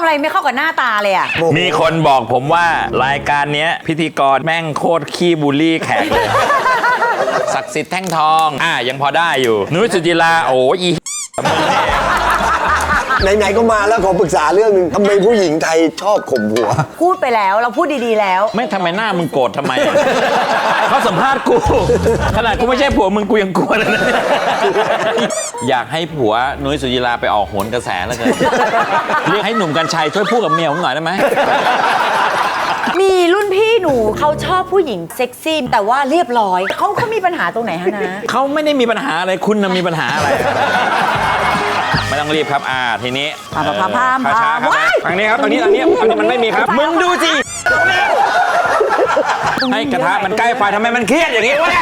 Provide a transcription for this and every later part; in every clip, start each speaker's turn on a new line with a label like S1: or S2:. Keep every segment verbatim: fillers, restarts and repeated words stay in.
S1: อะไรไม่เข้ากับหน้าตาเลยอ่ะ
S2: มีคนบอกผมว่ารายการนี้พิธีกรแม่งโคตรขี้บูลลี่แขกเลย ศักดิ์สิทธิ์แท่งทองอ่ะยังพอได้อยู่นุ้ยสุจิราโอ้ยอี
S3: ไหนๆก็มาแล้วขอปรึกษาเรื่องนึงทำไมผู้หญิงไทยชอบข่มผัว
S1: พูดไปแล้วเราพูดดีๆแล้ว
S2: ไม่ทำไมหน้ามึงโกรธทำไม เขาสัมภาษณ์กูขนาดกูไม่ใช่ผัวมึงกูยังกลัวเลยนะ อยากให้ผัวนุ้ยสุจิราไปออกโหนกระแสแล้วกันเรียกให้หนุ่มกัญชัยช่วยพูดกับเมียผมหน่อยได้ไหม
S1: มีรุ่นพี่หนูเขาชอบผู้หญิงเซ็กซี่แต่ว่าเรียบร้อยเขาเขามีปัญหาตรงไหนฮะนะ
S2: เขาไม่ได้มีปัญหาอะไรคุณน่ะมีปัญหาอะไรไม่ต้องรีบครับอ่าทีนี้
S1: พาพาพาพา
S2: ช้าครับทางนี้ครับตรงนี้ตรงนี้ตรงนี้มันไม่มีครับมึงดูสิให้กระทะมันใกล้ไฟทำไมมันเครียดอย่างนี้วะ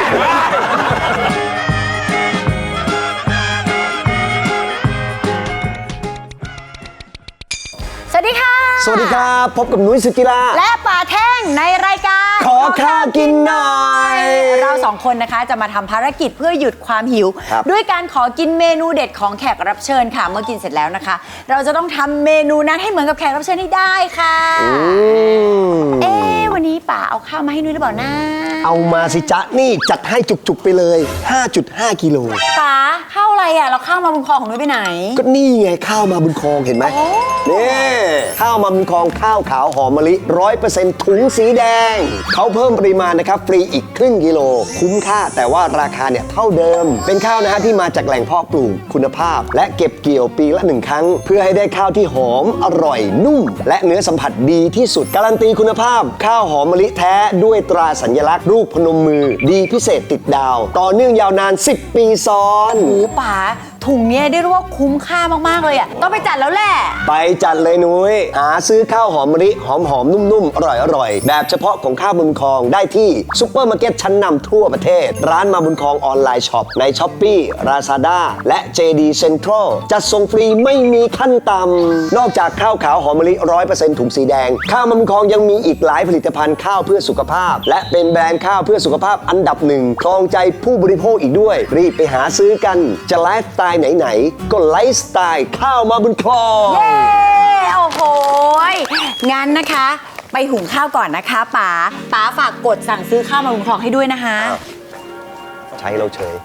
S1: สวัสดีค่ะ
S3: สวัสดีครับพบกับนุ้ยสุจิรา
S1: และป่าแท่งในรายการ
S3: ขอข้าวกินหน่อย
S1: เราสองคนนะคะจะมาทำภารกิจเพื่อหยุดความหิวด้วยการขอกินเมนูเด็ดของแขกรับเชิญค่ะเมื่อกินเสร็จแล้วนะคะเราจะต้องทำเมนูนั้นให้เหมือนกับแขกรับเชิญให้ได้ค่ะเอ๊ะวันนี้ป่าเอาข้าวมาให้นุ้ยหรือเปล่านะ
S3: เอามาสิจ๊ะนี่จัดให้จุกๆไปเลย ห้าจุดห้า กิโล
S1: ป่าข้าวอะไรอ่ะเราข้าวมาบุญคลองของนุ้ยไปไหน
S3: ก็นี่ไงข้าวมาบุญคลองเห็นไหมนี่ข้าวมาบุญคลองข้าวขาวหอมมะลิ ร้อยเปอร์เซ็นต์ ถุงสีแดงเขาเพิ่มปริมาณนะครับฟรีอีกครึ่งกิโลคุ้มค่าแต่ว่าราคาเนี่ยเท่าเดิมเป็นข้าวนะฮะที่มาจากแหล่งเพาะปลูกคุณภาพและเก็บเกี่ยวปีละหนึ่งครั้งเพื่อให้ได้ข้าวที่หอมอร่อยนุ่มและเนื้อสัมผัสดีที่สุดการันตีคุณภาพข้าวหอมมะลิแท้ด้วยตราสัญลักษณ์รูปพนมมือดีพิเศษติดดาวต่อเนื่องยาวนานสิบปีซ้อน
S1: โอ้ป๋าถุงเนี้ยได้รู้ว่าคุ้มค่ามากๆเลยอ่ะต้องไปจัดแล้วแหละ
S3: ไปจัดเลยนุ้ยหาซื้อข้าวหอมมะลิหอมๆนุ่มๆอร่อยๆแบบเฉพาะของข้าวบุญคลองได้ที่ซุปเปอร์มาร์เก็ตชั้นนำทั่วประเทศร้านมาบุญคลองออนไลน์ช็อปใน Shopee Lazada และ เจ ดี Central จัดส่งฟรีไม่มีขั้นต่ำนอกจากข้าวขาวหอมมะลิ ร้อยเปอร์เซ็นต์ ถุงสีแดงข้าวมาบุญคลองยังมีอีกหลายผลิตภัณฑ์ข้าวเพื่อสุขภาพและเป็นแบรนด์ข้าวเพื่อสุขภาพอันดับหนึ่งครองใจผู้บริโภคอีกด้วยรีบไปหาซื้อกันจะไลฟ์สไตล์ไหนๆก็ไลฟ์สไตล์ข้าวมาบุญคลอง
S1: เย้โอ้โหงั้นนะคะไปหุงข้าวก่อนนะคะป๋าป๋าฝากกดสั่งซื้อข้าวมาบุญคลองให้ด้วยนะคะ
S3: ใช้เราเฉย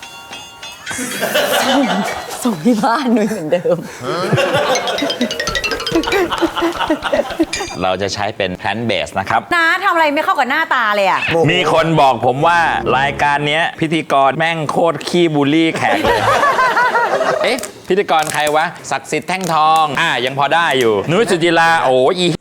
S1: ส่งที่บ้านนุ้ยเหมือนเดิม
S2: เราจะใช้เป็นแพลนเบสนะครับ
S1: น้าทำอะไรไม่เข้ากับหน้าตาเลยอ่ะ
S2: มีคนบอกผมว่ารายการนี้พิธีกรแม่งโคตรขี้บูลลี่แขกเลยเอ๊ะพิธีกรใครวะศักดิ์สิทธิ์แท่งทองอ่ะยังพอได้อยู่นุ้ยสุจิราโอ้ยอี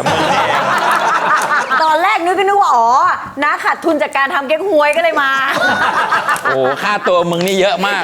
S1: ตอนแรกนุ้ยก็นึกว่าอ๋อน้าขาดทุนจากการทำเก๊กฮวยก็เลยมา
S2: โอ้ค่าตัวมึงนี่เยอะมาก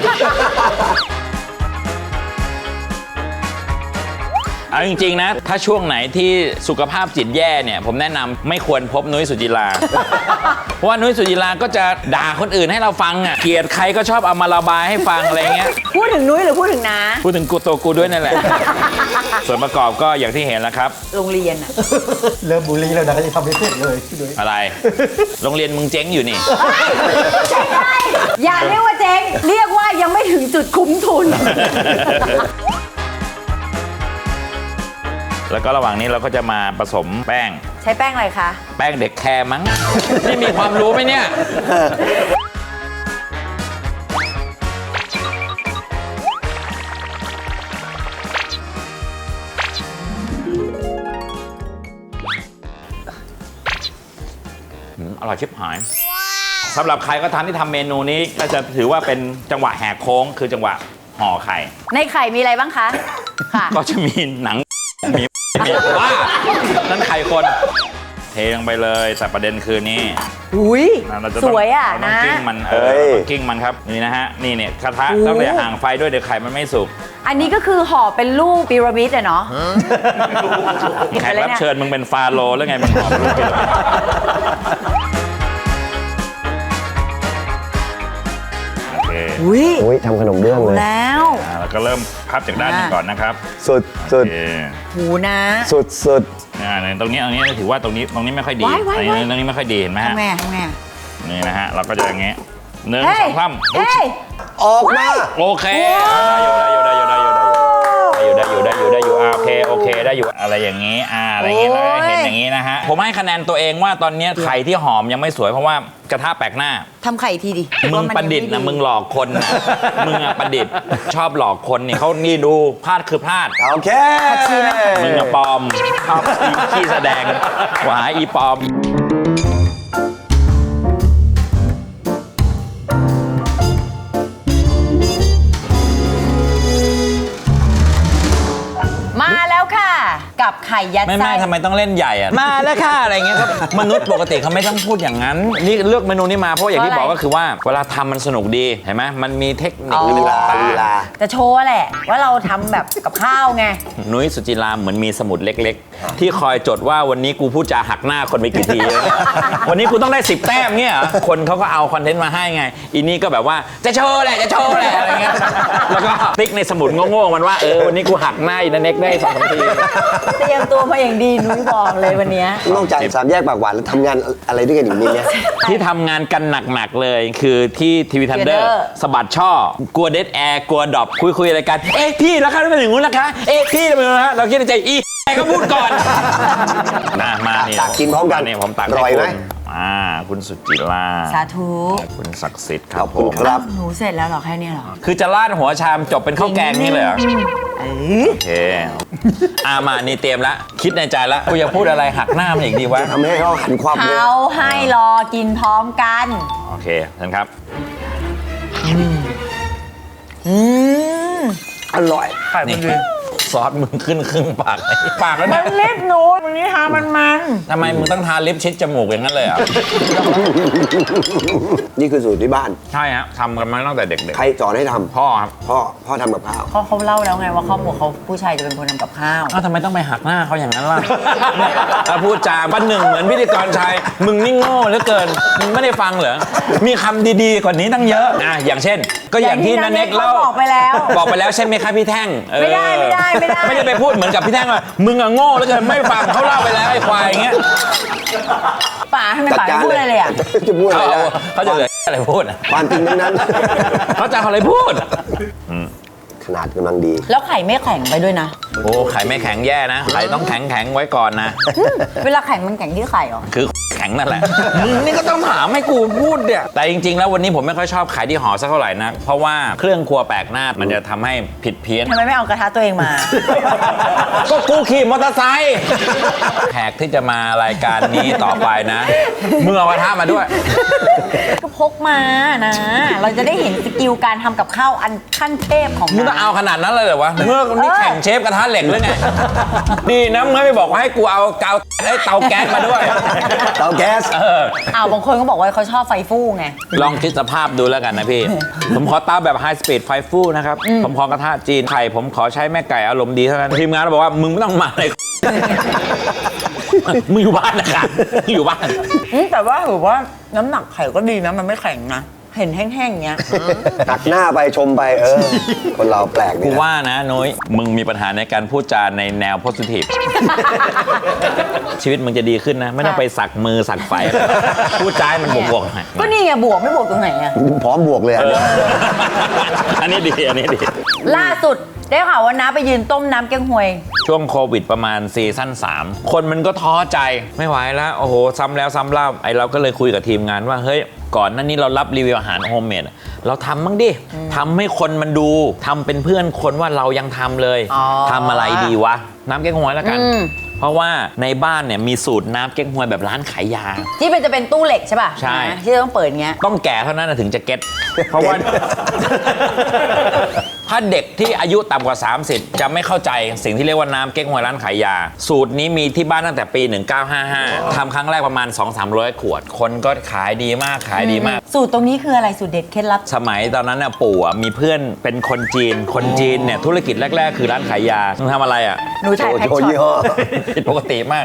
S2: เอาจริงๆนะถ้าช่วงไหนที่สุขภาพจิตแย่เนี่ยผมแนะนำไม่ควรพบนุ้ยสุจิราเพราะว่านุ้ยสุจิราก็จะด่าคนอื่นให้เราฟังอ่ะเกลียดใครก็ชอบเอามาระบายให้ฟังอะไรเงี้ย
S1: พูดถึงนุ้ยหรือพูดถึงน้า
S2: พูดถึงกูตัวกูด้วยนั่นแหละส่วนประกอบก็อย่างที่เห็นแล้วครับ
S1: โรงเรียนอะ
S3: เริ่มบูลลี่แล้วนะยังทำไม่เสร็จเลย
S2: อะไรโรงเรียนมึงเจ๊งอยู่นี่
S1: อย่าเรียกว่าเจ๊งเรียกว่ายังไม่ถึงจุดคุ้มทุน
S2: แล้วก็ระหว่างนี้เราก็จะมาผสมแป้ง
S1: ใช้แป้งอะไรคะ
S2: แป้งเด็กแคร์มั้งนี่มีความรู้ไหมเนี่ยอร่อยชิบหายสำหรับใครก็ทำที่ทำเมนูนี้ก็จะถือว่าเป็นจังหวะแหกโค้งคือจังหวะห่อไข่
S1: ในไข่มีอะไรบ้างคะ
S2: ก็จะมีหนังมีมีว่านั่นไข่คนเทลงไปเลยแต่ประเด็นคือนี่
S1: อุ้ยสวยอ่ะนะ
S2: กิ้งมันเออกิ้งมันครับนี่นะฮะนี่เนี่ยกระทะต้องเลยห่างไฟด้วยเดี๋ยวไข่มันไม่สุก
S1: อันนี้ก็คือห่อเป็นรูปพีระมิดอะเนาะ
S2: แขกรับเชิญมึงเป็นฟาโรห์แล้วไงมันห่อเป็นรูปพีระมิด
S3: อุ้ยทำขนมเบื้องเลย
S1: แล้ว
S2: แล้วก็เริ่มพับจากด้านนึงก่อนนะครับ
S3: สุดสุด
S1: หูนะ
S3: สุดสุด
S2: อ่าตรงนี้ตรงนี้ถือว่าตรงนี้ตรงนี้ไม่ค่อยดีตรงนี้ตรงนี้ไม่ค่อยดีเห็นไหมฮะ
S1: แม่แม่
S2: นี่นะฮะเราก็จะอย่างเงี้ยหนึ่งสองสาม
S3: ออกมา
S2: โอเคได้อยู่ได้อยู่ได้อยู่ได้อยู่ได้อยู่ได้อยู่ได้อยู่ได้อยู่ได้อยู่โอเคโอเคได้อยู่อะไรอย่างนี้อ่าอะไรอย่างนี้แล้วก็เห็นอย่างนี้นะฮะผมให้คะแนนตัวเองว่าตอนนี้ไข่ที่หอมยังไม่สวยเพราะว่ากระทะแปลกหน้า
S1: ทำไข่ทีดิ
S2: มึงประดิษฐ์นะมึงหลอกคนนะมึงอะประดิษฐ์ชอบหลอกคนนี่เขานี่ดูพลาดคือพลาด
S3: โอเค
S2: มึงอะปลอมชอบอีขี้แสดงหวาอีปลอม
S1: มาแล้วค่ะ กับไข่ยัด
S2: ไม่
S1: ไส้
S2: ไม่ทำไมต้องเล่นใหญ่อะมาแล้วค่ะอะไรเงี้ยครับมนุษย์ปกติเขาไม่ต้องพูดอย่างนั้นนี่เลือกเมนูนี้มาเพราะอย่างที่บอกก็คือว่าเวลาทำมันสนุกดีเห็นไหมมันมีเทคนิค
S1: อ๋อ
S3: ลีลาลีลา
S1: จะโชว์แหละ ว่าเราทำแบบกับข้าวไง
S2: นุ้ยสุจิราเหมือนมีสมุดเล็กๆ ที่คอยจดว่าวันนี้กูพูดจาหักหน้าคนไปกี่ที วันนี้กูต้องได้สิบแต้มเงี้ยเหรอคนเขาก็เอาคอนเทนต์มาให้ไงอีนี่ก็แบบว่าจะโชว์แหละจะโชว์แหละอะไรเงี้ยแล้วก็ติ๊กในสมุดโง่ๆมันว่าเออวันนี้กูหักหน้าอีนันเน็กได้สองสามที
S1: เตรียมตัวมาอย่างดีนุ้ยบอกเลยวันเนี้ย
S3: นอกจากสามแยกปากหวานแล้วทำงานอะไรด้วยกันอีกนิดเนี่ย
S2: ที่ทำงานกันหนักๆเลยคือที่ทีวีทันเดอร์
S1: Thunder
S2: สะบัดช่อกลัวเดดแอร์กลัวดรอปคุยคุยอะไรกันเอ๊ะพี่แล้วครับเป็นอย่างงู้นนะคะเอ๊ะพี่เป็นอย่างงู้นนะเราคิดในใจอีแอร์ก็พูดก่อนนะมานี่
S3: ตักกินพร้อมกัน
S2: นี่ผมตัก
S3: อร่อยไหม
S2: ให้คุณอ่าคุณสุจิรา
S1: สาธุ
S2: คุณศักดิ์สิทธิ์ค
S3: ข
S2: รั
S3: อ
S2: บบ ผ
S3: คุณ
S2: ม
S3: ครับ
S1: หนูเสร็จแล้วเหรอแค่เนี้ยเหรอ
S2: คือจะราดหัวชามจบเป็นข้าวแกงนี่เลยเหรอ
S1: เออ
S2: โอเคอามานี่เตรียมละคิดในใจละกูจะพูดอะไรหักหน้ามันอีกดีวะ
S3: ทำให้เขาหันความเลย
S1: เขาให้รอกินพร้อมกัน
S2: โอเคท่านครับ
S1: อืม
S3: อร่อย
S2: นี่ซอสมึงขึ้นครึ่งปากเลยปากแล้ว
S1: มั
S2: เนี่ย
S1: นเล็บหนูวันนี้ทามันมัน
S2: ทำไมมึงต้องทาลิปชิดจมูกอย่างนั้นเลยอ่ะ
S3: นี่คือสูตรที่บ้าน
S2: ใช่ฮะทำกันมาตั้งแต่เด็ก
S3: ใครสอนให้ทำ
S2: ๆพ่อครับ
S3: พ่อ พ่อทำกับข้าว
S1: เขาเขาเล่าแล้วไงว่าครอบครัวเขาผู้ชายจะเป็นคนทำกับข้าว
S2: อ้าวทำไมต้องไปหักหน้าเขาอย่างนั้นล่ะ ถ้าพูดจาบ้านหนึ่งเหมือนพิธีกรชายมึงนี่โง่เหลือเกินมึงไม่ได้ฟังเหรอมีคำดีๆกว่านี้ตั้งเยอะอ่ะอย่างเช่น ก็อย่างที่นันเน็กเล่า
S1: บอกไปแล้ว
S2: บอกไปแล้วใช่ไหมครับพี่แท่งเออ
S1: ไม่ได้ไม่ได้ไม่ได้
S2: ไม่ได้ไปพูดเหมือนกับพี่แท่งว่ามึงอะโง่แล้วเกินไม่ฟังเขาเล่าไปแล้วไอ้ควายอย่างเงี้ย
S1: ป๋าทำไม
S3: จัด
S1: ป๋า
S3: การ
S1: ไม่พูดอะไรเลยอ่ะ
S3: จะพูดอะไร
S2: เขา
S3: นะ
S2: เขาจะเหลืออะไรพูดอะ
S3: ความจริงทั้งนั้น
S2: เขาจะเอาอะไรพูด
S3: ขนาดกำลังดี
S1: แล้วไข่ไม่แข็งไปด้วยนะ
S2: โอ้ไข่ไม่แข็งแย่นะไข่ต้องแข็งแข็งๆไว้ก่อนนะ
S1: เวลาแข็งมันแข็งที่ไข่เหรอ
S2: คือแข็งนั่นแหละ มึงนี่ก็ต้องถามให้กูพูดเนี่ยแต่จริงๆ แล้ววันนี้ผมไม่ค่อยชอบไข่ที่ห่อสักเท่าไหร่นะเพราะว่าเครื่องครัวแปลกหน้ามันจะทำให้ผิดเพี้ยน
S1: ทำไมไม่เอากระทะตัวเองมา
S2: ก็กูขี่มอเตอร์ไซค์แขกที่จะมารายการนี้ต่อไปนะมึงเอากระทะมาด้วย
S1: ก็พกมานะ เราจะได้เห็นสกิลการทำกับข้าวอันขั้นเทพของ
S2: มึงต้องเอาขนาดนั้นเลยเหรอวะเมื่อนี่แข่งเชฟกระทะเหล็กหรือไงดีนะมึงไม่บอกว่าให้กูเอาเตาไอ้เตาแก๊สมาด้วย
S3: เตาแก๊ส
S2: เออ
S1: อ้าวบางคนก็บอกว่าเขาชอบไฟฟู่ไง
S2: ลองคิดสภาพดูแล้วกันนะพี่ ผมขอเตาแบบไฮสปีดไฟฟูนะครับ ผมขอกระทะจีนไข่ผมขอใช้แม่ไก่อารมณ์ดีเท่านั้นทีมงานบอกว่ามึงไม่ต้องมาเลย มึงอยู่บ้านนะครับมึงอยู่บ้าน
S1: อืมแต่ว่าถือว่าน้ำหนักไข่ก็ดีนะ มันไม่แข็งนะ เห็นแห้งๆอย่างเงี้ย
S3: ตักหน้าไปชมไปเออ คนเราแปลก
S2: กู
S3: เนี่ย
S2: ว่านะนุ้ยมึงมีปัญหาในการพูดจาในแนวโพสิทีฟ ชีวิตมึงจะดีขึ้นนะ ไม่ต้องไปสักมือสักไฟอะไรพูดจาให้มันบวกๆหน่อย
S1: ก็นี่ไงบวกไม่บวกตรงไหนอะ
S3: พร้อมบวกเลย
S2: เอ
S3: อ่ะ
S2: ออันนี้ดีอันนี้ดี
S1: ล่าสุดได้ข่าวว่าน้าไปยืนต้มน้ำแกงฮวย
S2: ช่วงโควิดประมาณซีซั่นสามคนมันก็ท้อใจไม่ไหวแล้วโอ้โหซ้ำแล้วซ้ำเล่าไอเราก็เลยคุยกับทีมงานว่าเฮ้ยก่อนหน้านี้เรารับรีวิวอาหารโฮมเมดเราทำบ้างดิทำให้คนมันดูทำเป็นเพื่อนคนว่าเรายังทำเลย
S1: อ๋อ
S2: ทำอะไรดีวะน้ำแกงฮวยแล้วกัน
S1: อืม
S2: เพราะว่าในบ้านเนี่ยมีสูตรน้ำแกงฮวยแบบร้านขายยา
S1: ที่เป็นจะเป็นตู้เหล็กใช่ป่ะ
S2: ใช่
S1: นะที่ต้องเปิดเงี้ย
S2: ต้องแก่เท่านั้นนะถึงจะเก็ตเพราะว่า ถ้าเด็กที่อายุต่ำกว่า สามสิบ จะไม่เข้าใจสิ่งที่เรียกว่าน้ำเก๊กฮวยร้านขายยา สูตรนี้มีที่บ้านตั้งแต่ปี หนึ่งเก้าห้าห้า ทำครั้งแรกประมาณ สองถึงสามร้อย ขวด คนก็ขายดีมากขายดีมาก
S1: สูตรตรงนี้คืออะไรสูตรเด็ดเคล็ดลับ
S2: สมัยตอนนั้นน่ะปู่อ่ะมีเพื่อนเป็นคนจีน คนจีนเนี่ยธุรกิจแรก ๆ คือร้านขายยามึงทำอะไรอ่ะ
S1: หนูถ่ายแพ็ค
S3: โชว์
S1: ช็อ
S3: ยี่ห้อ
S1: ต
S2: ผิดปกติมาก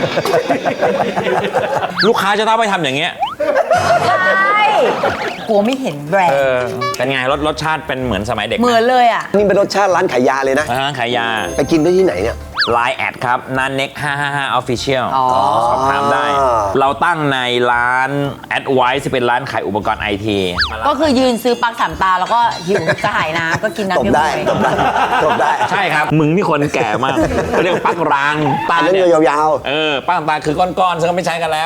S2: ลูกค้าจะต้องไปทำอย่างเงี้ย
S1: ใช่กลัวไม่เห็นแบรน
S2: เอ
S1: ด์
S2: อเป็นไงรสรสชาติเป็นเหมือนสมัยเด็กไห
S1: เหมือนเลยอ่ะ
S3: นี่เป็นรสชาติร้านขายยาเลยนะ
S2: ร้านขายยา
S3: ไปกินได้ที่ไหนเนี่ย
S2: ไลน์แอดครับนันเน็กห้าห้าห้า Official
S1: อ๋อ
S2: สอบถามได้ เราตั้งในร้าน Advice ที่เป็นร้านขายอุปกรณ์ไอที
S1: ก็คือยืนซื้อปลั๊กสามตาแล้วก็หิวจะหายน้ำก็กินน้ำ
S3: ตบ
S1: เยอะ
S3: ได้
S1: เลย
S3: ตบได้ตบได้
S2: ใช่ครับ มึงนี่คนแก่มากเขาเรียกว่าปลั๊กรางตา
S3: อันนั้น
S2: เนี่ย
S3: ยาว
S2: เออปลั๊กตาคือก้อนๆซึ่งก็ไม่ใช้กันแล้ว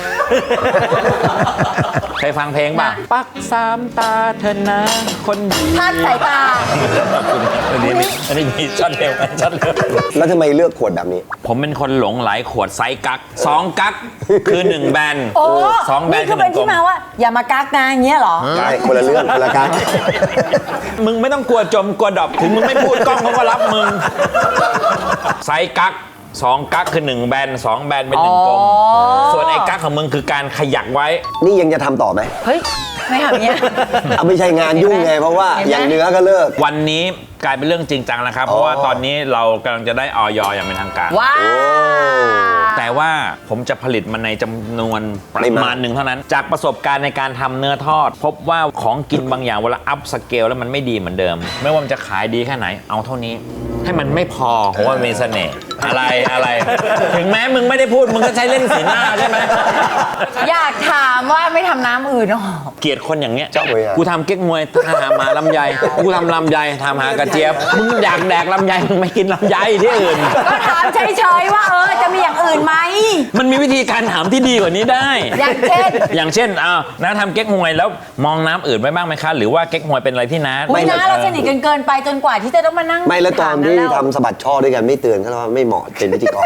S2: เคยฟังเพลงป่ะปลั๊กสามตาเธอนะคนดี
S1: พลาดสายตา
S2: อันนี้มีอันนี้มีช็อตเร็วช็อตเร็ว
S3: ๆ แล้วทำไมเลือกขวดแบบนี้
S2: ผมเป็นคนหลงไหลขวดไซส์กั๊กสองกั๊กคือหนึ่งแบน
S1: โอ้
S2: สองแบน
S1: นี่คือเป็นที่มาว่า อย่ามากักนะอย่างเงี้ยเหรอ
S3: ใช่คนละเรื่องคนละการ
S2: มึงไม่ต้องกลัวจมกลัวดรอปถึงมึงไม่พูดกล้องเขาก็รับมึงไซส์กั๊กสองกั๊กคือหนึ่งแบนสองแบนเป็นหนึ่งกลม
S1: อ๋อ
S2: ส่วนไอ้กั๊กของมึงคือการขยักไว้
S3: นี่ยังจะทำต่อไหม
S1: เฮ้ย ไม่ทำอย่างเงี้ย
S3: เอาไม่ใช่งานยุ่งไงเพราะว่า
S1: เห็นไหม
S3: อย่างเนื้อก็เลิก
S2: วันนี้กลายเป็นเรื่องจริงจังนะครับ เพราะว่าตอนนี้เรากำลังจะได้ออยอย่างเป็นทางการ
S1: ว้าว
S2: แต่ว่าผมจะผลิตมันในจำนวนประ
S3: ไม่
S2: มา
S3: มา
S2: ณหนึ่งเท่านั้น จากประสบการณ์ในการทำเนื้อทอด พบว่าของกินบางอย่างเวลาอัพสเกลแล้วมันไม่ดีเหมือนเดิม ไม่ว่ามันจะขายดีแค่ไหนเอาเท่านี้ ให้มันไม่พอเพราะว่ามันมีเสน่ห์อะไรอะไร ถึงแม้มึงไม่ได้พูดมึงก็ใช้เล่นสีหน้าใช่ไหม
S1: อยากถามว่าไม่ทำน้ำอื่นหรอ
S2: เกลียดคนอย่างเงี้ย
S3: เจ้าเว้ยอะ
S2: กูทำเก๊กมวยหาหมาลำไยกูทำลำไยทำหากระเจี๊ยบมึงอยากแดกลำไยมึงไม่กินลำไยที่อื่น
S1: ก็ถามเฉยๆว่าเออจะมีอย่างอื่นไหม
S2: มันมีวิธีการถามที่ดีกว่านี้ได้
S1: อย่างเช่น
S2: อย่างเช่นอ้าวน้าทำเก๊กฮวยแล้วมองน้ำอื่นไว้บ้างไหมคะ หรือว่าเก๊กฮวยเป็นอะไรที่น้า
S1: คุณน้าเราสนิทกันเกินไปจนกว่าที่จะต้องมานั่ง
S3: ไม่แล้วตอนที่
S1: ถาม
S3: ทำสะบัดช่อด้วยกันไม่เตือนเขาว่าไม่เหมาะเป็นพิธีกร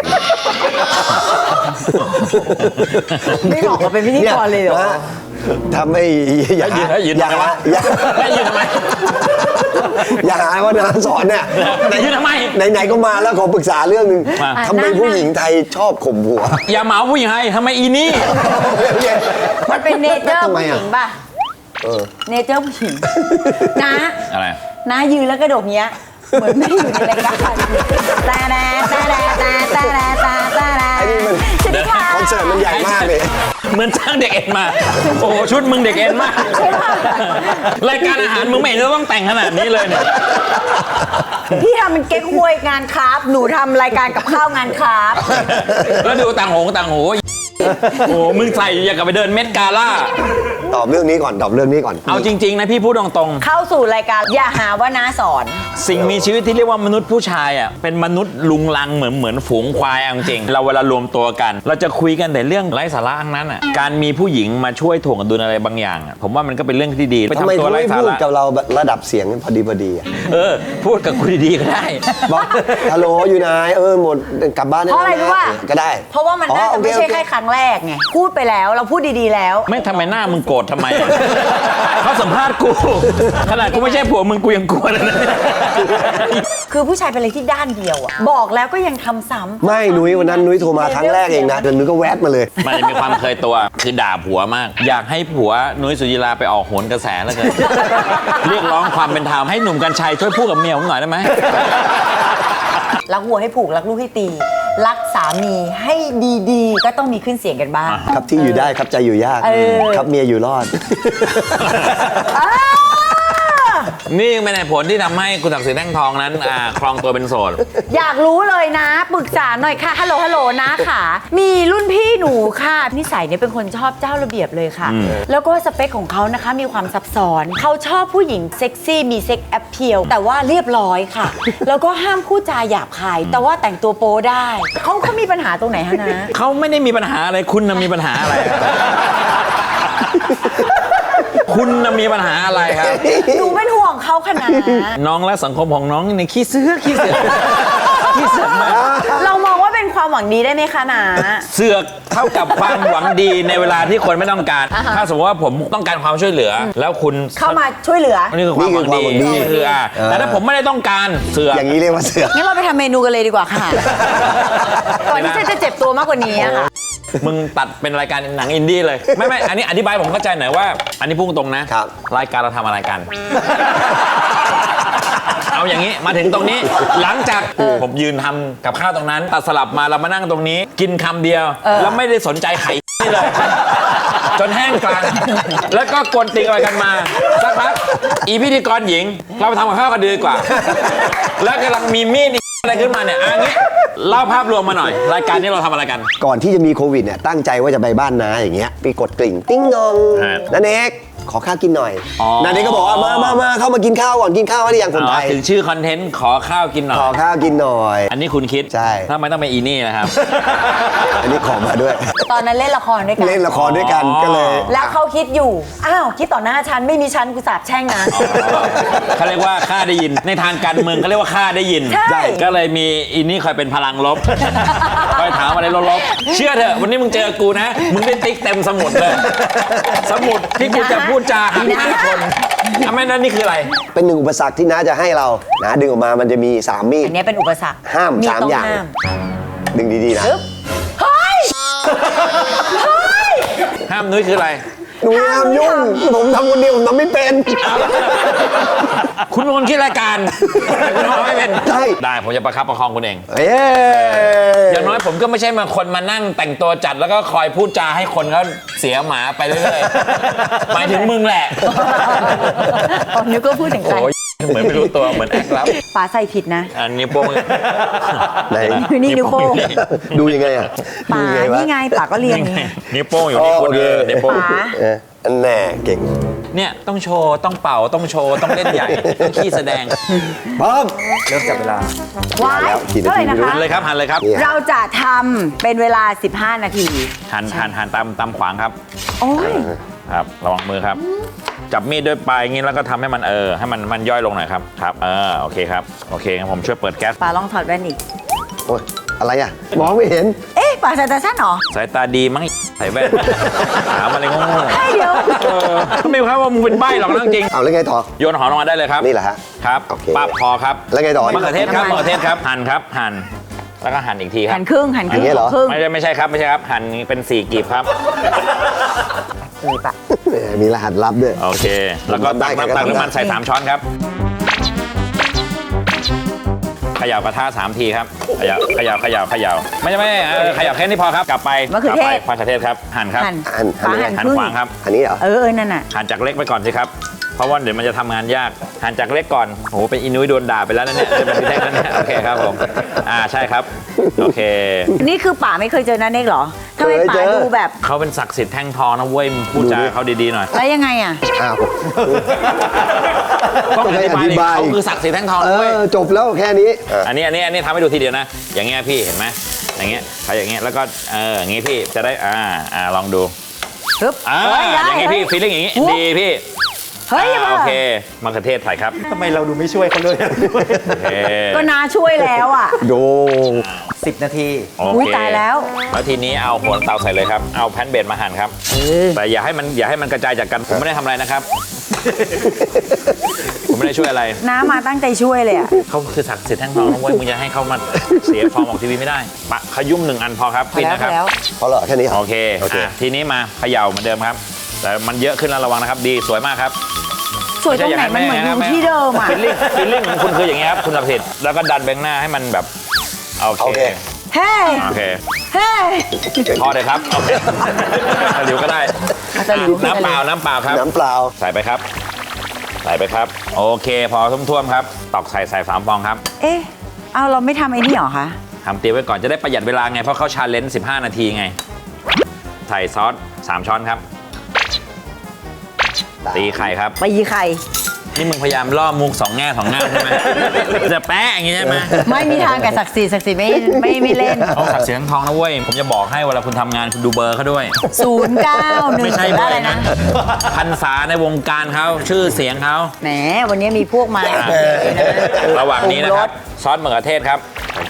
S1: ไม่เหมาะกับเป็นพิธีกรเลยเหรอ
S3: นี่นะทำให้อย่า
S2: แล้วยืนแล้วยืน
S3: อย่า
S2: ทำไมวะ
S3: อย่า
S2: แล้วยืนทำไม
S3: อย่าหาว่านาสอนเนี่ย
S2: ยืนทำไม
S3: ไหนๆก็มาแล้วขอปรึกษาเรื่องหนึ่ง
S2: มา
S3: ทำไมผู้หญิงไทยชอบข่มหัว
S2: อย่าเหมาผู้หญิงให้ทำไมอีนี่
S1: มันเป็นเนเจอร์
S3: ทำไม
S1: ผู้ห
S3: อะ
S1: ญิงป่ะ
S3: เออ
S1: เนเจอร์ผู้หญิงนะ
S2: อะไร
S1: นะยืนแล้วกระโดดเงี้ย เหมือนไม่อยู่ในรายการตาแดตาแดตาตาแดตาตาแด
S3: ไอ้นี่มัน
S1: สวัสดีค่ะ
S3: คอนเสิร์ตมันใหญ่มากเลย
S2: เหมือนจ้างเด็กเอ็นมา โอ้โหชุดมึงเด็กเอ็นมาก รายการอาหารมึงไม่เห็นจะต้องแต่งขนาดนี้เลยเนี่ย
S1: พี่ทำเป็นเก๊กฮวยงานคราฟต์หนูทำรายการกับข้าวงานคราฟต์
S2: แล้วดูต่างหงต่างหูโอ้โหมึงใส่อย่างกับไปเดินเม็ดกาล่า
S3: ตอบเรื่องนี้ก่อนตอบเรื่องนี้ก่อน
S2: เอาจริง ๆ นะพี่พูดตรง
S1: เข้าสู่รายการอย่าหาว่าน้าสอน
S2: ๆ สิ่งมีชีวิตที่เรียกว่ามนุษย์ผู้ชายอ่ะเป็นมนุษย์ลุงลังเหมือนเหมือนฝูงควายเอาจริงๆเราเวลารวมตัวกัน เราจะคุยกันแต่เรื่องไร้สาระทั้งนั้นอ่ะการมีผู้หญิงมาช่วยถ่วงดุลอะไรบางอย่างอ่ะผมว่ามันก็เป็นเรื่องที่ดีไป
S3: ทำไม
S2: ทำตัว
S3: เขา
S2: ไร้
S3: ไม่
S2: สา
S3: พูด
S2: ระ
S3: กับเราแบบระดับเสียงพอดีพอดีอะ
S2: เออพูดกับคุณดีๆก็ได้
S3: บอกฮัลโหลอยู่ไหนเออหมดกลับบ้านด้
S1: เพราะอะไรรู้ป่ะ
S3: ก็ได้
S1: เพราะว่ามันน่า
S3: อ๋อ
S1: จะไม่
S3: โอ
S1: ใช่
S3: โอ
S1: แค่ครั้งแรกไงพูดไปแล้วเราพูดดีๆแล้ว
S2: ไม่ทำไมหน้ามึงโกรธทำไมอะเขาสัมภาษณ์กู ขนาดกูไม่ใช่ผัวมึงกูยังกลัวเลยนะ
S1: คือผู้ชายเป็นอะไรที่ด้านเดียวอะบอกแล้วก็ยังทำซ้ำ
S3: ไม่นุ้ยวันนั้นนุ้ยโทรมาครั้งแรกเองนะเดี๋ยวนุ้ยก็แวบมาเลย
S2: มันมีความเคยตัวคือด่าผัวมาก อยากให้ผัวนุ้ยสุจิราไปออกโหนกระแสแล้วเกิน เรียกร้องความเป็นธรรมให้หนุ่มกัญชัยช่วยพูดกับเมียผมหน่อยได้ไหม
S1: รักวัวให้ผูกรักลูกให้ตี รักสามีให้ดีๆ ก็ต้องมีขึ้นเสียงกันบ้าง
S3: ครับที่อยู่ได้ครับใจอยู่ยาก
S1: เออ
S3: ครับเมียอยู่รอด
S1: อ้า
S2: นี่เป็นเหตุผลที่ทำให้คุณศักดิ์ศรีแท่งทองนั้นอ่าครองตัวเป็นโสด
S1: อยากรู้เลยนะปรึกษาหน่อยค่ะฮัลโหลฮัลโหลนะค่ะ มีรุ่นพี่หนูค่ะนิสัยเนี่ยเป็นคนชอบเจ้าระเบียบเลยค่ะ แล้วก็สเปคของเขานะคะมีความซับซ้อนเขาชอบผู้หญิงเซ็กซี่มีเซ็กแอปเพียลแต่ว่าเรียบร้อยค่ะ แล้วก็ห้ามพูดจาหยาบคาย แต่ว่าแต่งตัวโป๊ได้เขาเขามีปัญหาตรงไหนฮะนะ
S2: เขาไม่ได้มีปัญหาอะไรคุณน่ะมีปัญหาอะไร คุณน่ะมีปัญหาอะไรครับ
S1: หนูเป็นห่วงเขาขนาด
S2: น้องและสังคมของน้องในขี้เสือกขี้เสือกขี้เสือกมาก
S1: เรามองว่าเป็นความหวังดีได้ไหมคะนา
S2: เสือกเท่ากับความหวังดีในเวลาที่คนไม่ต้องการ
S1: อ่าฮะ
S2: ถ้าสมมติว่าผมต้องการความช่วยเหลือ แล้วคุณ
S1: เข้ามาช่วยเหลือ
S2: นี่คือความหวังดี
S3: นี่คือความหวังดี
S2: นี่คืออ่ะแต่ถ้าผมไม่ได้ต้องการเสือก
S3: อย่างนี้เรียกว่าเสือก
S1: งั้นเราไปทำเมนูกันเลยดีกว่าค่ะ ก่อนที่จะเจ็บตัวมากกว่านี้อะค่ะ
S2: มึงตัดเป็นรายการหนังอินดี้เลย ไม่ไม่อันนี้อธิบายผมเข้าใจหน่อยว่า อันนี้พูดตรงนะครับ รายการเราทำอะไรกัน เอาอย่างนี้มาถึงตรงนี้ หลังจากผมยืนทำกับข้าวตรงนั้นตัดสลับมาเรามานั่งตรงนี้ กินคำเดียว
S1: เออ
S2: แล้วไม่ได้สนใจไข่นี่เลย จนแห้งกลางแล้วก็กวนตีอะไรกันมาสักพักอีพิธีกรหญิง เราไปทำกับข้าวกันดีกว่า แล้วกำลังมีมีดอีอะไรขึ้นมาเนี่ยอันนี้เล่าภาพรวมมาหน่อย รายการนี้เราทำอะไรกัน
S3: ก่อนที่จะมีโควิดเนี่ยตั้งใจว่าจะไปบ้านน้าอย่างเงี้ยไปกดกริ่งติ้งนอง
S2: ฮะ
S3: นันเอกขอข้าวกินหน่อย
S2: อ๋อ
S3: นันเอกก็บอกว่ามามามาเข้ามากินข้าวก่อนกินข้าวหรือยังคนไทย
S2: อ๋อถึงชื่อคอนเทนต์ขอข้าวกินหน่อ
S3: ขอย ข้าวกินหน่อย
S2: อันนี้คุณคิด
S3: ใช่
S2: ทำไมต้องเป็นอีนี่นะครับ
S3: อันนี้ขอมาด้วย
S1: ตอนนั้นเล่นละครด้วยกัน
S3: เล่นละครด้วยกัน
S2: อ๋อ
S3: ก็เลย
S1: แล้วเขาคิดอยู่ อ้าว คิดต่อหน้าฉัน ไม่มีฉันกูสาบแช่งนะ
S2: เขาเรียกว่าค่าได้ยิน ในทางการเมืองเขาเรียกว่าค่าได้ยิน
S1: ใช่
S2: ก็เลยมีอีนี่คอยเป็นพลังลบ คอยถามอะไรลบๆเชื่อเถอะวันนี้มึงเจอกูนะ มึงได้ติ๊กเต็มสมุดเลย สมุดที่กูจะพูดจาหาที่คนทำไมนั่นนี่คืออะไร
S3: เป็นหนึ่งอุปสรรคที่น้าจะให้เราน้าดึงออกมามันจะมีสามมีด
S1: อันนี้เป็นอุปสรรค
S3: ห้าม
S1: มี
S3: สาม
S1: ต้อง
S3: อย่าง
S1: ห้าม
S3: ดึงดีๆนะ
S1: ปึ๊บเฮ้ย เฮ้ย
S2: ห้ามนุ้ยคืออะไร
S3: หนูห้ามยุ่งผมทำคนเดียวผมทำไม่เป็น
S2: คุณเป็นคนคิดรายการคุณทำไม่เป็น
S3: ใช่
S2: ได้ผมจะประคับประคองคุณเอง
S3: เอ้ย
S2: อย่างน้อยผมก็ไม่ใช่มาคนมานั่งแต่งตัวจัดแล้วก็คอยพูดจาให้คนเขาเสียหมาไปเรื่อยๆ หมายถึงมึงแหละ
S1: อ๋อนึกก็พูดถึงใคร
S2: โอ้ยเหมือนไม่รู้ตัวเหมือนแอคลับ
S1: ป๋าใส่ผิดนะ
S2: อันนี้วโป้ง
S3: ไหน
S1: นี่นิ้วโป้ง
S3: ดูยังไงอ่ะ
S1: ป๋า
S3: ดูยังไงวะ
S1: นี่ไงป๋าก็เรียน
S2: นี่
S1: ไง
S2: ไงนิ้วโป้งอยู่นี่
S3: อ๋อ
S2: คุณ
S3: โอเค
S2: เออนิ้วโป้ง
S1: ป๋า
S3: เอออันแน่เก่ง
S2: เนี่ยต้องโชว์ต้องเป่าต้องโชว์ต้องเล่นใหญ่ต้องขี้แสดง
S3: พร้อม
S4: เริ่มจับเวลา
S1: ว้าย
S3: แล้วกี่นาที
S1: เท่าไหร่นะคะ
S2: หันเลยครับหันเลยครับ
S3: เนี่ย
S1: เราจะทำเป็นเวลา สิบห้า นาที
S2: หันหันหันตามตามขวางครับ
S1: โอ้ย
S2: ครับระวังมือครับ จับมีดด้วยปลายอย่างนี้แล้วก็ทำให้มันเออให้มันมันย่อยลงหน่อยครับครับเออโอเคครับโอเคงั้นผมช่วยเปิดแก๊ส
S1: ป๋าลองถอดแว่นอีก
S3: โอ้ยอะไรอ่ะ มองไม่เห็น
S1: เอ๊ะป๋าใส่ตาสั้นเหรอ
S2: สายตาดีมั้งใส่แว่นถามอะไรโง่
S1: ใช่เดี๋ยว
S2: ๆเออไม่ครับว่ามึงเป็นใบ้หรอกนะจริง
S3: เอาแล้วไงต่อ
S2: โยนหอมลงมาได้เลยครับ
S3: นี่แหละฮะ
S2: ครับ
S3: โอเค
S2: ปั๊บพอครับ
S3: แล้วไงต่อ
S2: มะเขือเทศครับมะเขือเทศครับหั่นครับหั่นแล้วก็หั่นอีกทีครั
S1: หั
S2: บ
S1: นครึ่งหันครึ่ง
S3: อย่างเงี้ยเหรอ
S1: ครึ่ง
S2: ไม่ใช่ไม่ใช่ครับไม่ใช่ครับหั่นเป็นสี่กีบครับ
S1: นี่ปะ
S3: แหมมีรหัสลับด้วย
S2: โอเค แล้วก็ตักน้ำตักน้ำมันใส่สามช้อนครับเขย่ากระทะสามทีครับเขย่าเขย่าเขย่าเขย่าไม่ใช่ไม่เออเขย่าแค่นี้พอครับกลับไป
S1: มะเขือก
S2: ลับ
S1: เท
S2: ไป
S1: ศ
S2: มะเขือเทศครับหั่นครับ
S1: หั่น
S3: หั่นหั่น
S1: ป๋า
S3: ยังไง
S1: หั่น
S2: หั่น
S1: ครึ่ง
S2: ขวางครับ
S3: อันนี้เหรอ
S1: เออเออนั่นน่ะ
S2: หั่นจากเล็กไปก่อนสิครับเพราะว่าเดี๋ยวมันจะทำงานยากหั่นจากเล็กก่อนโอ้โหเป็นอินุ้ยโดนด่าไปแล้วนะเนี่ยเป็นพี่แท่งแล้วเนี่ยโอเคครับผมอ่าใช่ครับโอเค
S1: นี่คือป๋าไม่เคยเจอนันเอกเหรอทำไม
S3: เคย
S1: ป๋า
S3: เจอ
S1: ดูแบบ
S2: เขาเป็นศักดิ์สิทธิ์แท่งทองนะเว้ยมึงพูดจาเขาดีๆหน่อย
S1: แล้วยังไงอ่ะ
S3: อ้าว
S2: ต้องอธิบาย
S3: ต้องให้อธิบาย
S2: เขาคือศักดิ์สิทธิ์แท่งทอง
S3: เอ
S2: นะเว้ย
S3: อ จบแล้วแค่นี้เออ
S2: อันนี้อันนี้อันนี้ทำให้ดูทีเดียวนะ อย่างเงี้ยพี่เห็นไหมอย่างเงี้ยเขาอย่างเงี้ยแล้วก็เอออย่างงี้พี่จะได้อ่าอ่าลองดู
S1: ปึ๊บ
S2: อ่า
S1: เฮ้ยได้
S2: อย่างงี้พี่
S1: เฮ้ย
S2: ฟีลลิ่งอย่างงี้
S1: โอ้
S2: ดีพี่
S1: เฮ้ย
S2: อ่า
S1: มา
S2: โอเคมะเขือเทศใส่ครับ
S4: ทำไมเราดูไม่ช่วยเขาเลย
S2: โอเค
S1: ก็นาช่วยแล้วอ่ะ
S3: โด
S4: สิบนาที
S2: โอ
S1: อุ้ย
S2: เค
S1: ตายแล้ว
S2: แล้วทีนี้เอาโหนเตาใส่เลยครับเอาแพนเบดมาหั่นครับ
S1: เออ
S2: แต่อย่าให้มันอย่าให้มันกระจายจากกันผมไม่ได้ทำอะไรนะครับ ผมไม่ได้ช่วยอะไร
S1: น้ามาตั้งใจช่วยเลยอ่ะ
S2: เขาคือศักดิ์สิทธิ์แท่งทองนะเว้ยมึงจะให้เขามาเสียฟอร์มออกทีวีไม่ได้ปะขยุ่มหนึ่งอันพอครับ
S1: พอ
S2: ปิด
S1: แล้ว
S2: นะ
S1: พ
S2: ค
S1: อ
S2: รับ
S1: แล้ว
S3: เพราะเหรอแค่นี้เหรอ
S2: โอเค
S3: โอเค
S2: อ่ะทีนี้มาเขย่าเหมือนเดิมครับ แต่มันเยอะขึ้นแล้วระวังนะครับ ดีสวยมากครับ
S1: สวยตรงไหนมันเหมือนอยู่ที่เดิมอ่ะ
S2: ฟิลลิ่งฟิลลิ่งของคุณคืออย่างเงี้ยครับคุณศักดิ์สิทธิ์แล้วก็ดันแบงค์หน้าให้มันแบบโอ
S3: โอ
S2: เค
S3: เค
S1: เฮ้ย
S2: โอเค
S1: เฮ้ย
S2: พอเลยครับโอเคตะหลิวก็ได้
S1: เอาตะหลิว
S2: น้ำเปล่าน้ำเปล่าครับ
S3: น้ำเปล่า
S2: ใส่ไปครับ ใส่ไปครับ โอเคพอท่วมๆครับตอกใส่ใส่สามฟองครับ
S1: เอ๊ะเอาเราไม่ทำไอ้นี่เหรอคะ
S2: ทำเตรียมไว้ก่อนจะได้ประหยัดเวลาไงเพราะเขาชาเลนจ์สิบห้านาทีไงใส่ซอสสามช้อนครับตีไข่ครับ
S1: ตีไข่
S2: นี่มึงพยายามล่อมุกสองแง่สองงามใช่ไหม จะแป๊ะอย่างงี้ใช่ไหม
S1: ไม่มีทางกับศักดิ์ศรีศักดิ์ศรีไม่ไม่ไม่เล่น
S2: เขาศักดิ์ศรีทั้งทองนะเว้ย ผมจะบอกให้เวลาคุณทำงานคุณดูเบอร์เขาด้วย
S1: ศูนย์เก้าหนึ่ง
S2: ไม่ใช่เบอ
S1: อะไร
S2: ร์
S1: นะ
S2: พันษาในวงการเขาชื่อเสียงเขา
S1: แหมวันนี้มีพวกมา
S2: อ่ะระหว่างนี้นะครับ ซอสมะเขือเทศครับ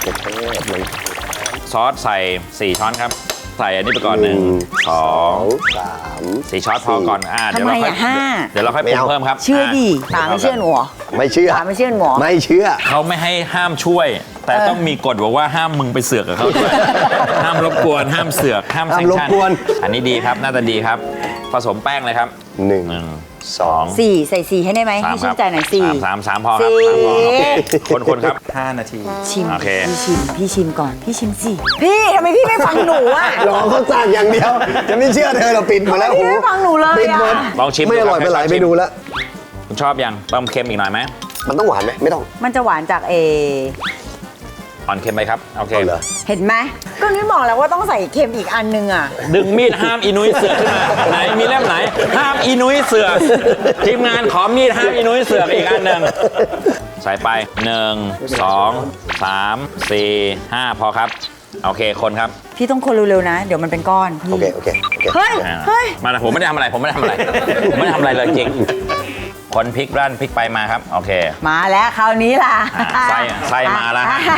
S2: ซอสใส่สี่ช้อนครับ ใส่อันนี้ไปก่อนหนึ่งสอง
S3: สาม
S2: สี่ช้อนพอก่อนอ่าเดี๋ยว
S1: ทำไม
S2: เราค่อย
S1: อ่ะห้า
S2: เดี๋ยวเราค่อยปรุงเพิ่มครับ
S1: เชื่อดิป๋าไม่เชื่อหนูเหรอ
S3: ไม่เชื่อ
S1: ป๋าไม่เชื่อหนูเหรอ
S3: ไม่เชื่อ
S2: เขาไม่ให้ห้ามช่วย แต่
S1: เออ
S2: ต้องมีกฎบอกว่าห้ามมึงไปเสือกกับเขาด้วย ห้ามรบกวน ห้ามเสือก ห้าม
S3: ห้าม
S2: แซง
S3: รบ
S2: ชั่น
S3: กวน
S2: อันนี้ดีครับ น่าจะดีครับ ผสมแป้งเลยครับ
S3: หนึ่ง
S2: หนึ่ง
S3: สอง
S1: สี่ใส่สี่ให้ได้ไหม
S2: สาม
S1: ให้
S2: ค
S1: ชื่
S2: รั
S1: นใจหน่อยสี่
S2: สามสามพอครับ
S1: สี่
S2: สามพอโอเคคนคนครับ
S4: ห้านาที
S1: ชิม
S2: โอเค
S1: พี่ชิมพี่ชิมก่อนพี่ชิมสิพี่ทำไมพี่ไม่ฟังหนูอ่ะ
S3: รอเขาสั่งอย่างเดียว จะไม่เชื่อเธอเราปิดหมดแล้ว
S1: พี่ไม่ฟังหนูเลย
S3: ปิดหมด
S1: อะ
S2: ลองชิม
S3: ไม่อร่อย
S2: ดู
S3: ไป
S2: คบ
S3: หลาย
S2: ให้
S3: เม
S2: ชิ
S3: นูแล้ว
S2: คุณชอบยังเติมเค็มอีกหน่อยไหม
S3: มันต้องหวานไหมไม่ต้อง
S1: มันจะหวานจากเอ
S2: อ่อนเค็มไปครับโอเค
S3: เอาเหรอ
S1: เห็นไหมก็นี่บอกแล้วว่าต้องใส่เค็มอีกอันนึงอ่ะ
S2: ดึงมีดห้ามอีนุ้ยเสือกขึ้นมาไหนมีเล่มไหน ห้ามอีนุ้ยเสือกทีมงานขอมีดห้ามอีนุ้ยเสือกอีกอันหนึ่งใส่ไปหนึ่งสองสามสี่ห้าพอครับโอเคคนครับ
S1: พี่ต้องคนเร็วๆนะ เดี๋ยวมันเป็นก้อนพี่
S3: โอเคโอเคโอเค
S1: เฮ้ย
S2: อ่า
S1: เฮ้ย
S2: มาละผมไม่ได้ทำอะไรผมไม่ได้ทำอะไรผมไม่ได้ทำอะไรเลยจริงคนพลิกด้านพลิกไปมาครับโอเค
S1: มาแล้วคราวนี้ล่ะ
S2: อ่าไส้ไส้มาแล้วฮะ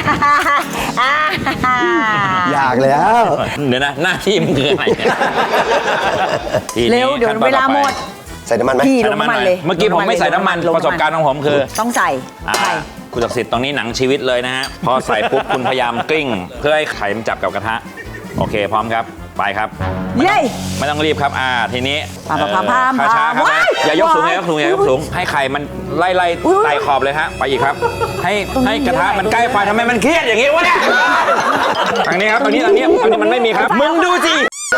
S3: อยากแล้ว
S2: เดี๋ยวนะหน้าที่มันคืออะไรเนี่ยทีนี้
S1: เร็วเดี๋ยว
S2: ขั้นตอน
S1: เวลาหมด
S3: ใส่น้ำมันไหม
S1: พี่
S2: ใส่
S1: ลง
S2: น้ำมัน
S1: น้ำมัน
S2: หน่อย
S1: เลย
S2: เมื่อกี้ผมไม่ใส่น้ำมัน
S1: ลง
S2: ประสบการณ์ของผมคือ
S1: ต้องใส่
S2: อ่า
S1: ใส่
S2: คุณศักดิ์สิทธิ์ตรงนี้หนังชีวิตเลยนะฮะ พอใส่ปุ๊บ คุณพยายามกลิ้ง เพื่อให้ไข่มันจับกับกระทะ โอเคพร้อมครับ ไปครับ
S1: เย้
S2: ไม่ต้องรีบครับ อ่า ทีนี้
S1: พามพามพาม
S2: เอ่อช้าๆครับ
S1: ว้าย
S2: อย่ายกสูง
S1: ว้าย
S2: อย่ายกสูงอย่ายกสูง ให้ไข่มันไล่ไล่
S1: อุ๊ย
S2: ไต่ขอบเลยฮะ ไปอีกครับ ให้
S1: ตรงนี้
S2: ให้กระทะ
S1: เยอะ
S2: มันใกล้ไฟทำไมมันเครียดอย่างงี้วะเนี่ยทางนี้ครับทางนี้ทางนี้ทางนี้มันไม่มีครับ มึงดูสิ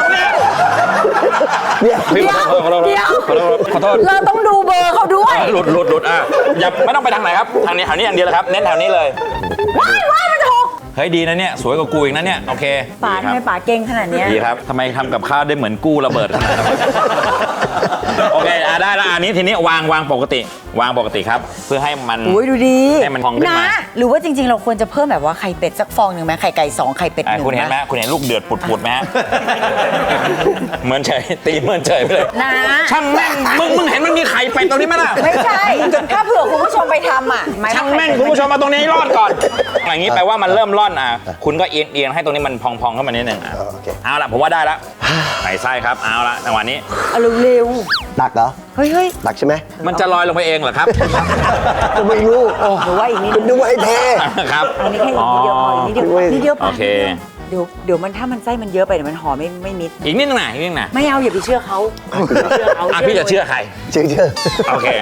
S3: เนี่ย
S2: พี่ขอโทษขอโทษ
S1: เดี๋ยว
S2: ขอโทษขอโทษ
S1: เราต้องดูเบอร์เขาด้วย
S2: เออหลุดหลุดหลุดอ่ะอย่าไม่ต้องไปทางไหนครับ ทางนี้แถวนี้อย่างเดียวเลยครับ เน้นแถวนี้เลย
S1: ว้ายว้ายมันจะหก
S2: เฮ้ยดีนะเนี่ย สวยกว่ากูอีกนะเนี่ย โอเค
S1: ป๋า
S2: ดี
S1: ทำ
S2: ค
S1: ไม
S2: รับ
S1: ป๋าเก่งขนาดเนี้ย
S2: ดีครับทำไมทำกับข้าวได้เหมือนกู้ระเบิดขนาดนั้น โอเคอ่ะได้แล้วอันนี้ทีนี้วางวางปกติ วางปกติครับ เพื่อให้มัน
S1: อุ้ยดูดี
S2: ให้มันพองขึ้นมา
S1: นะหรือว่าจริง ๆ เราควรจะเพิ่มแบบว่าไข่เป็ดสักฟองหนึ่งไหมไข่ไก่สองไข่เป็ดห
S2: อ่ะ
S1: นึ่ง
S2: คุณเห็นไหมคุณเห็นลูกเดือดปุดๆไหมฮะ เหมือนเฉยตีเหมือนเฉยไปเลย
S1: นะ
S2: ช่างแม่งมึงมึงเห็นมันมีไข่เป็ดตรงนี้ไหมล่ะ
S1: ไม่ใช่ ถ้าเผื่อคุณผู้ชมไปทำอ่ะหมาย
S2: ช่าง
S1: ว่า
S2: แม่งคุณผู้ชมมาตรงนี้ให้รอดก่อน อย่างนี้แปลว่ามันเริ่มร่อนอ่ะ คุณก็เอียงเอียงให้ตรงนี้มันพองๆขึ้นมานิดหนึ่งอ่ะ
S3: โอเค
S2: เอาละผมว่าได้ละใส่ไส้ครับ เอาละจังหวะนี้
S1: เอาเร็ว
S3: ตักเหรอ
S1: ๆเฮ้ยเฮ้ย
S3: ตักใช่ไหม
S2: มันจะลอยลงไปเองเหรอครับ
S3: ก็ไม่รู้โอ้
S1: หรือว่าอีกนิด
S3: คุณดูให้เท
S2: ครับ
S1: อันนี้แค่นิดเดียวพออีกนิดเดียว
S3: อ๋อ
S1: นิดเดียวพ
S2: โอเค
S1: เดี๋ยวเดี๋ยวมันถ้ามันไส้มันเยอะไปเดี๋ยวมันห่อไม่ไม่มิด
S2: อีกนิดนึงนะอีกนิดนึงนะ
S1: ไม่เอาอย่าไปเชื่อเขาอย่าไปเชื่อเขา
S2: อ่ะพี่จะเชื่อใคร
S3: เชื่อเชื่อ
S2: โอเค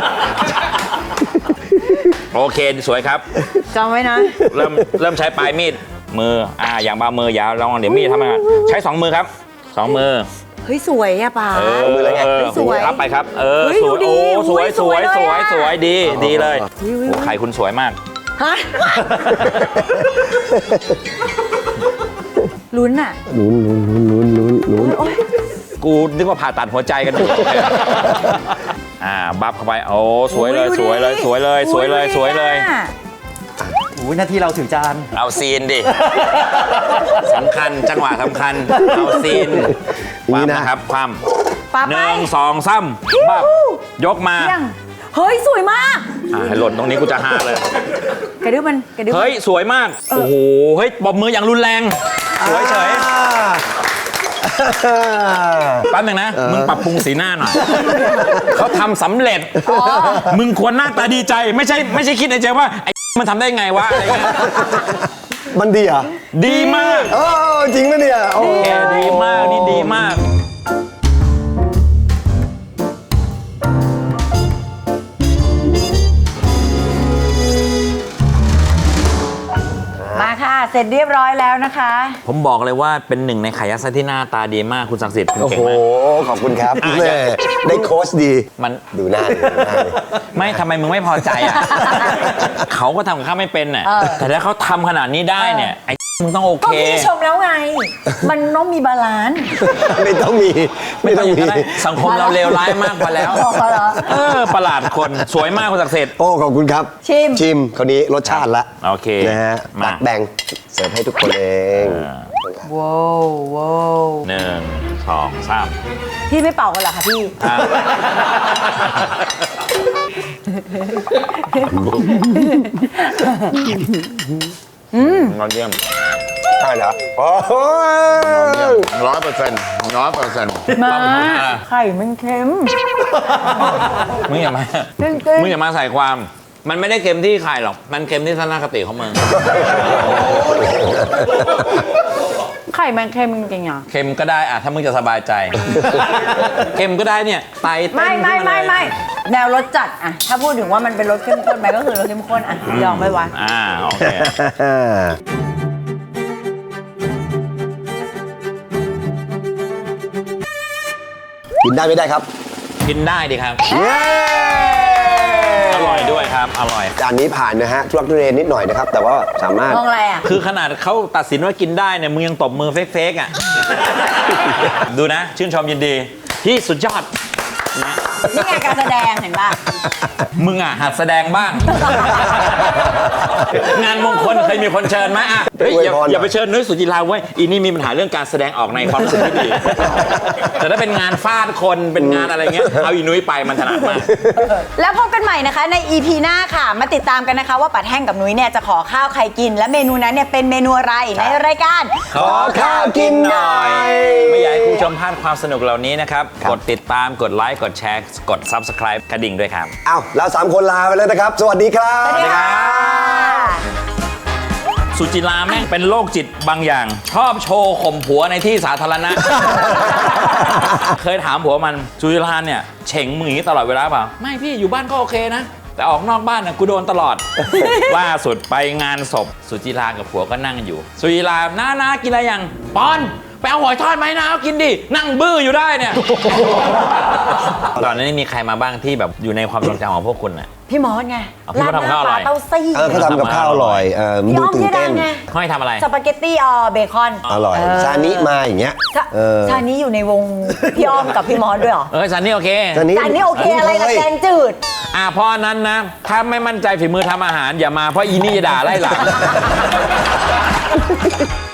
S2: โอเคสวยครับ
S1: จำไว้นะ
S2: เริ่มเริ่มใช้ปลายมีดมืออ่าอย่างบามืออย่าลองเดี๋ยวมีดทำงานใช้สองมือครับสองมือ
S1: เฮ้ยสวยอะป๋า
S2: เออ
S3: มือเลยไง
S2: เออ
S1: สวย
S2: รับไปครับ เออ
S1: เฮ้ย
S2: สวย
S1: ดู
S2: โอ้
S1: ดิ
S2: สวย
S1: อุ้ย
S2: สวย
S1: ส
S2: ส
S1: ว
S2: วย ย
S1: เลยอะ
S2: สวยดีดีเลย
S1: อุ้ยอุ้ย
S2: โอ้ไข่คุณสวยมาก
S1: ฮะลุ้นอะ
S3: ลุ้นลุ้นลุ้นลุ้นลุ้น
S1: โอ๊ย
S2: กูนึกว่าผ่าตัดหัวใจกันอยู่ อ่าบัฟเข้าไปโอ้สวยเลย
S1: อุ๊
S2: สวยเลยสวยเลยสวยเลย
S1: อุ๊
S2: สวยเลย
S1: อะ
S4: อุ้ยหน้าที่เราถือจาน
S2: เอาซีนดิ สำคัญจังหวะสำคัญ เอาซีน
S3: อย่างนี้
S2: ความ
S3: นะ
S2: นะครับความ
S1: ป๋า
S2: ห
S1: ไป
S2: นึ่งสองสามบับยกมา
S1: เที่ยงเฮ้ยสวยมาก
S2: อ่าให้หล่นตรงนี้กูจะฮาเลย
S1: กระดึ๊บมันกระดึ๊บมัน
S2: เฮ้ย สวยมาก โอ้โห เฮ้ยบอบมืออย่างรุนแรง สวยเฉย
S3: อ่า
S2: แป๊บหนึงนะ มึงปรับปรุงสีหน้าหน่อย เขาทำสำเร็จ มึงควรหน้าตาดีใจ ไม่ใช่ไม่ใช่คิดในใจว่า ไอ้ มันทำได้ไงวะอะไรเงี้ย
S3: มันดีเหรอ่ะ
S2: ดีมาก
S3: โอ้จริงปะเนี่ยโอ้
S2: แกดีมาก นี่ดีมาก
S1: มาค่ะ เสร็จเรียบร้อยแล้วนะคะ
S2: ผมบอกเลยว่าเป็นหนึ่งในไข่ยัดไส้ที่หน้าตาดีมากคุณศักดิ์สิทธิ์คุณ
S3: โอ้
S2: เก่ง
S3: โห
S2: มาก
S3: ขอบคุณครับ
S2: อ่ะ
S3: แม่ได้โค้ชดี
S2: มัน
S3: ดูหน้าดิดูหน้าดิ
S2: ไม่ทำไมมึงไม่พอใจอ่ะ เขาก็ทำกับข้าวไม่เป็นน่ะ
S1: เออ
S2: แต่ถ้าเขาทำขนาดนี้ได้เนี่ย ไอ้มึงต้องโอ
S1: ก็
S2: เค
S1: พี่ชมแล้วไง มันต้องมีบาลานซ์
S3: ไม่ต้องมี
S2: ไม่
S3: ไม่
S2: ต้
S3: ต้
S2: อ
S3: อง ง
S2: อย่าง
S3: มี
S2: นั้นนะสังคมเราเลวร้ายมากพอแล้ว
S1: พอเหรอ
S2: เออ ประหลาดคน สวยมากคุณศักดิ์สิทธิ์
S3: โอ้ขอบคุณครับ
S1: ชิม
S3: ชิมคราวนี้รสชาติละ
S2: โอเค
S3: นะฮะ
S2: มา
S3: ตักแบ่งเสิร์ฟให้ทุกคนเอง
S1: ว้าวว้าว
S2: หนึ่งสองสาม
S1: พี่ไม่เป่ากันเหรอคะพี่
S2: อ่ะยอดเยี่ยม
S3: ใช่เหรอโอ้โห
S2: ร้อยเปอร์เซ็นต์ร้อยเปอร์เซ็นต์
S1: มาไข่มันเค็ม
S2: มึงอย่ามา
S1: จริงๆ
S2: มึงอย่ามาใส่ความ มันไม่ได้เค็มที่ไข่หรอก มันเค็มที่ทัศนคติของมึง
S1: ไข่มันเค็มจริงๆอ่ะ
S2: เค็มก็ได้อะถ้ามึงจะสบายใจ เค็มก็ได้เนี่ยไตเต้น
S1: ไม่ไม่
S2: ขึ้นา
S1: ไม่
S2: เลย
S1: ไม่แนวรสจัดอะถ้าพูดถึงว่ามันเป็นรสเข้มข้นไหมก็คือรสเข้มข้นอะยอมไม่วะ
S2: อ่าโอเค
S3: กินได้ไม่ได้ครับ
S2: กินได้ดีครับ
S3: เย้
S2: อร่อยด้วยครับ อร่อย
S3: จานนี้ผ่านนะฮะทุลักทุเลนิดหน่อยนะครับ แต่ว่าสามารถ
S1: มองอะไรอ่ะ
S2: คือขนาดเขาตัดสินว่ากินได้เนี่ยมึงยังตบมือเฟกๆอ่ะ ดูนะ ชื่นชมยินดี ที่สุดยอดนะ
S1: นี่ไงการแสดงเห็นป่ะ
S2: มึงอ่ะหัดแสดงบ้าง งานมงคลเคยมีคนเชิญไหมอ่ะเฮ้ยอย่า
S3: อวยพรหน่อย
S2: อย่าไปเชิญนุ้ยสุจิราเว้ยอีนี่มีปัญหาเรื่องการแสดงออกในความรู้สึกที่ดี แต่ถ้าเป็นงานฟาดคนเป็นงานอะไรเงี้ยเอาอีนุ้ยไปมันถนัดมาก
S1: แล้วพบกันใหม่นะคะใน อี พี หน้าค่ะ มาติดตามกันนะคะว่าปัดแห้งกับนุ้ยเนี่ยจะขอข้าวใครกิน และเมนูนั้นเนี่ยเป็นเมนูอะไรในรายการ
S2: ขอข้าวกินหน่อย ไม่อยากให้คุณผู้ชมพลาดความสนุกเหล่านี้นะครับ
S3: ครับ
S2: กดติดตามกดไลค์กดแชร์ กด Subscribe กระดิ่งด้วยครับ
S3: เอ้าเราสามคนลาไปแล้วนะครับ สวัสดีครับ
S1: สวัสดีค่ะ
S2: สุจิราแม่งเป็นโรคจิตบางอย่าง ชอบโชว์ข่มผัวในที่สาธารณะ เคยถามผัวมันสุจิราเนี่ยเฉ่งมึงอย่างนี้ตลอดเวลาเปล่า ไม่พี่อยู่บ้านก็โอเคนะ แต่ออกนอกบ้านนะกูโดนตลอด ล่าสุดไปงานศพสุจิรากับผัวก็นั่งอยู่ สุจิราน้าน้ากินอะไรยังปอนไปเอาหอยทอดไหมนะเอากินดินั่งบื้ออยู่ได้เนี่ย ตอนนี้มีใครมาบ้างที่แบบอยู่ในความทรงจำของพวกคุณน่ะ
S1: พี่มอสไง
S2: เอาพี่มอสทำข้าวอร่อย
S1: เต้าซี่
S3: เออเขาทำกับข้าวอร่อยเออ
S1: พี่
S3: ดู
S1: อ้อม
S3: ตื่
S1: เจ
S3: น
S1: ดา
S3: เต้น
S1: ไง
S2: เขาให้ทำอะไร
S1: สปาเกตตี้ออเบคอน
S3: อร่อย
S1: เออ
S3: ซานิมาอย่างเงี้ย
S1: ชา
S3: เออ
S1: ชานี้อยู่ในวง พี่อ้อมกับพี่มอสด้วยเหรอ
S2: เออสันนี่โอเค
S3: ซานิ
S1: จานนี้โอเคอะไรล่ะแกงจืด
S2: อ่าเพราะนั้นนะ ถ้าไม่มั่นใจฝีมือทำอาหารอย่ามาเพราะอีนี่จะด่าไล่หลัง